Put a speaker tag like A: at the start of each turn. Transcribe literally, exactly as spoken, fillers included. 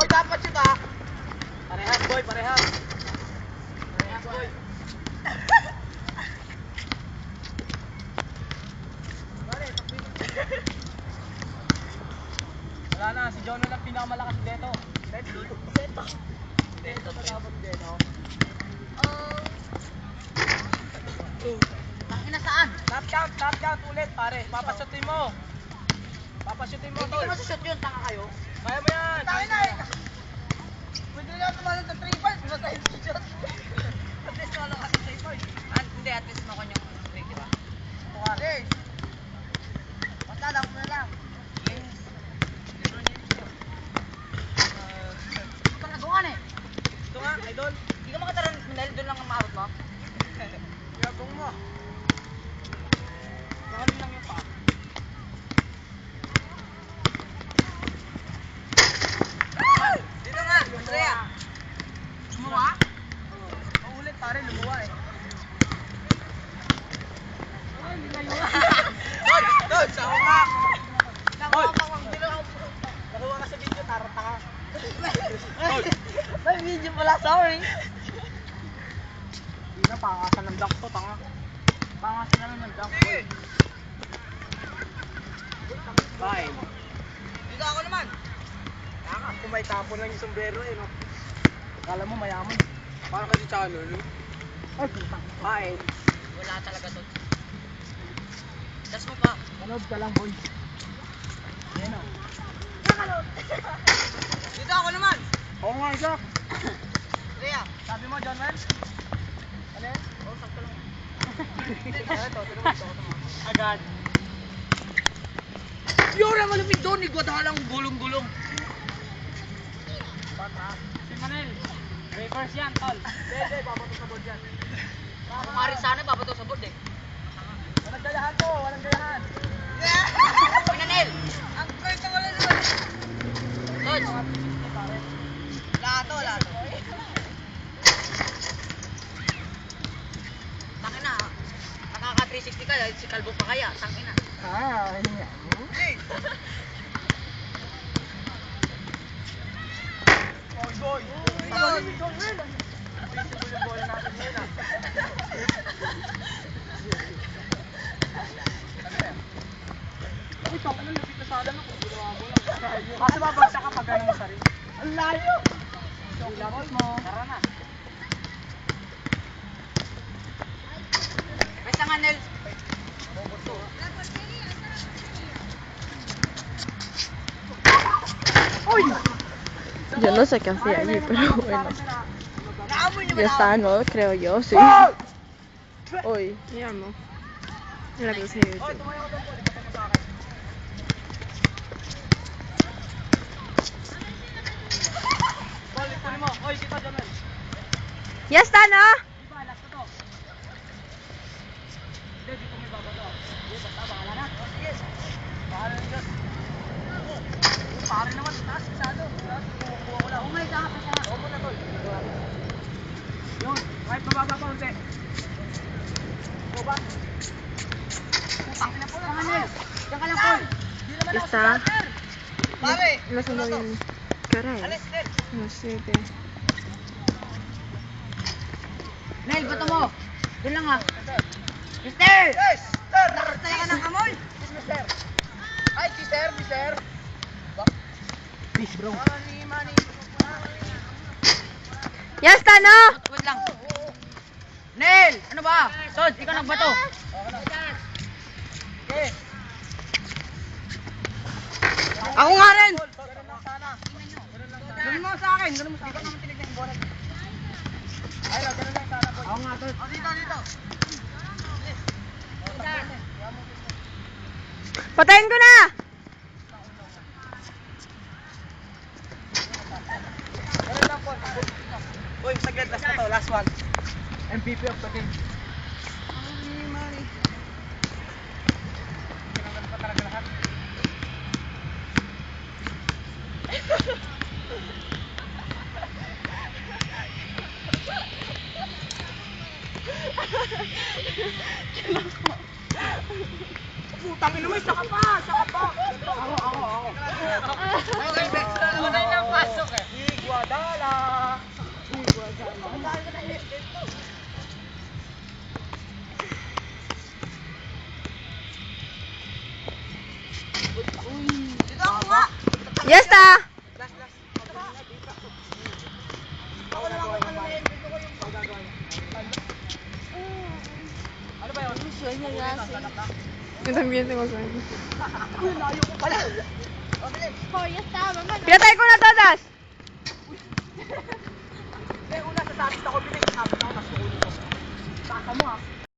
A: dapat shoot ah.
B: Parehas boy, parehas. Parehas boy. Wala na, si Jono lang pinakamalakas dito. Dito. Dito. Dito dapat dito.
A: Ang ina saan?
B: Tap count, tap count ulit pare. Papasutin mo. Papasutin mo
A: Hindi
B: tol.
A: ko masushoot yun, tanga kayo.
B: Kaya mo yan.
A: Tayo na eh. Pwede na tumalan sa three points, basta tayo t-shirt. At least wala ka sa three points. Ah, hindi, at least makon yung three, di ba? Yes. Basta lang mo na lang. Yes. Ito na doon eh.
B: Ito nga, idol.
A: Hindi ka makataran, Manel, doon lang ang maarot mo.
B: Yabong mo. Gawin lang yung pa.
A: Dito nga, Andrea. Lumuwa?
B: Paulit pare, lumuwa eh.
A: Tol, tol, sa huma.
B: Tol.
A: Nakuha
B: Nakuha ka sa video, tarata ka.
A: May video pala, sorry.
B: Hindi na, pangasan ng dunk to, tanga. Pangasan na lang ng dunk to. Five.
A: Dito ako naman.
B: Tanga, kung may tapon lang yung sombrero eh, no? Akala mo mayaman. Parang kasi channel, no? Ay, putang. Five.
A: Wala talaga to. Das mo pa.
B: Manood ka lang, boy. Ayan o.
A: Dito ako naman.
B: Oo nga, isa.
A: Rhea.
B: Sabi mo, John Well? Ano yan?
A: Oh, sakto lang.
B: Ito, ito naman, ito, ito. Agad.
A: Yura, malupit doon. Igwadalang gulong-gulong.
B: Bata. Si Manel. Reverse yan, tol. Dede, papatok sa board yan.
A: Kung mari sana, papato sa board eh.
B: Walang gayahan to, walang gayahan.
A: Pinanel. Ang kwento wala naman. Tol. Lato, lato. Tangin na. Nakaka three sixty ka, si Kalbo pa kaya. Tangin na.
B: Ah, ayun nga. Oh, boy.
A: Yun.
B: Visible yung bola natin ngayon, ah. Uy, taka na, lapit na sana na kung ginawa mo lang. Kasi babagsak ka pag gano'n mo sa rin. Ang layo! Ilapit mo. Tara na.
A: Basta nga, Nel.
B: Uy!
C: Yo no sé qué hacía allí, pero bueno.
A: Naamoy niyo ba
C: Ya
A: na?
C: está, ¿no? Creo yo, sí.
B: Oh!
C: Uy. Ya no. Era que se
B: Oy, tumayo ka doon po. Ipasok mo sa akin. Ball, ikunin mo. Oy, dito, Jamel.
C: Ya está, ¿no?
B: Di ba, last na to. Hindi, dito may babato. Hindi, basta, bahala na. Oh, sige. Bahala na dyan. Oh, pare naman, taas, masyado. Kukuha ko lang.
A: Oh my God, basta nga.
B: Oo mo na, tol. Yun, kahit mababa pa unti. Go back. Putang ina po lang, Manel.
A: Diyan ka lang, Paul.
B: Di naman
C: Ya
B: ako
C: está.
B: starter.
A: Pare.
C: No sé muy bien. ¿Qué hora
A: Alis,
C: es?
A: Nel.
C: No sé qué.
A: Nel, bato mo. Doon lang ha. Mister!
B: Yes, sir.
A: Nakatay ka ng amoy.
B: Yes, mister. Ay, mister, mister. Peace, bro. Money, money.
C: Ya está, ¿no?
A: Wait lang. Nel! Ano ba? Sod, ikaw nagbato.
B: Okay.
A: Ako nga rin.
B: Ganun lang sana. Ganun lang sana.
A: Ganun mo sa akin. Ganun mo sa akin.
B: Hindi ko naman tinignan yung bola. Ay, no, ganun lang sana, boy. Ako nga, tol.
A: Oh, dito, dito.
C: Patayin ko na!
B: Ganun lang, Paul. Uy, saglit, last na to, last one. M V P of the game. Money, money. Kinanggal pa talaga lahat. Putang ina mo, isa ka pa, isa ka pa. Ako, ako, ako. Ako, ako. Ako, ako. Ako, ako. Guadala.
A: Ang dami ko na hit dito. Dito ako nga.
C: Yes, ta!
B: Last, last.
A: Ako na lang kung ano na yun. Dito ko yung
B: Ano ba yun?
C: Ito ang biyente ko sa'yo.
B: Uy, layo ko pala.
C: Pinatay ko na to, Das!
B: Eh, una sa sabit ako, pinag-sabit ako, tapos ulo ko. Saka mo ah.